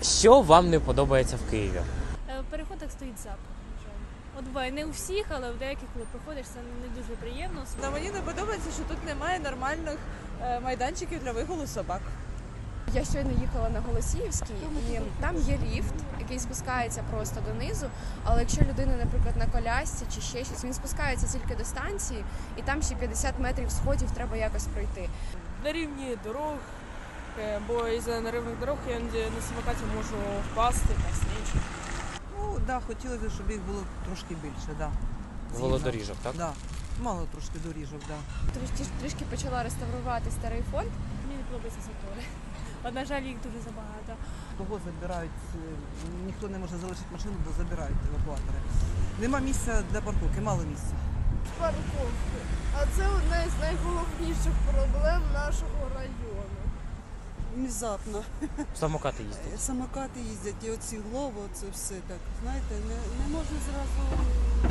Що вам не подобається в Києві? В переходах стоїть запах. на жаль. От буває не у всіх, але в деяких, коли проходиш, це не дуже приємно. Та мені не подобається, що тут немає нормальних майданчиків для вигулу собак. Я щойно їхала на Голосіївський, і там є ліфт, який спускається просто донизу, але якщо людина, наприклад, на колясці чи ще щось, він спускається тільки до станції, і там ще 50 метрів сходів треба якось пройти. На рівні дорог, бо із-за неривних дорог я на самокаті можу впасти та сніг. Ну, да, хотілося, щоб їх було трошки більше, да. Велодоріжок, так? Да. Мало трошки доріжок, да. Трішки почала реставрувати старий фонд. Мені не подобається затори. От, на жаль, їх дуже забагато. Кого забирають, ніхто не може залишити машину, бо забирають евакуатори. Нема місця для парковки, мало місця. Парковки. А це одна із найголовніших проблем нашого району. Внезапно. Самокати їздять. Самокати їздять, і оці глово, це все так. Знаєте, не можна зразу